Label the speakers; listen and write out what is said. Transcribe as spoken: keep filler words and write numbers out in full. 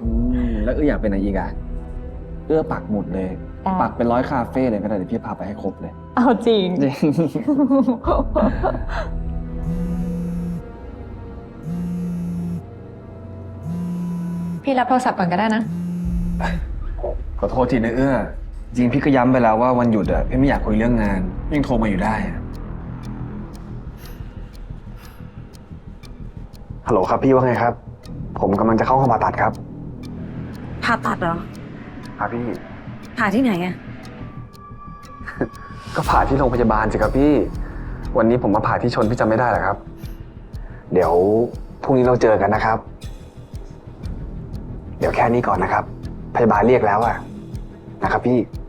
Speaker 1: อืมแล้วเอื้ออยากเป็นอะไรอีกอ่ะเอื้อปักหมุดเลย ปักเป็นร้อยคาเฟ่เลยก็ได้เดี๋ยวพี่พาไปให้ครบเลย
Speaker 2: เอาจริง
Speaker 1: จริง
Speaker 2: พี่รับโทรศัพท์ก่อนก็ได้นะ
Speaker 1: ขอโทษทีนะเอื้อจริงพี่ก็ย้ำไปแล้วว่าวันหยุดอะพี่ไม่อยากคุยเรื่องงานยังโทรมาอยู่ได้อะฮัลโหลครับพี่ว่าไงครับ ผมกำลังจะเข้าห้องผ่าตัดครับ
Speaker 3: ผ่าตัดเหรอ
Speaker 1: ครับพี่
Speaker 3: ผ่าที่ไหนอะ
Speaker 1: ก็ผ่าที่โรงพยาบาลสิครับพี่ วันนี้ผมมาผ่าที่ชนพี่จำไม่ได้หรอครับ เดี๋ยวพรุ่งนี้เราเจอกันนะครับ เดี๋ยวแค่นี้ก่อนนะครับ พยาบาลเรียกแล้วอะนะครับพี่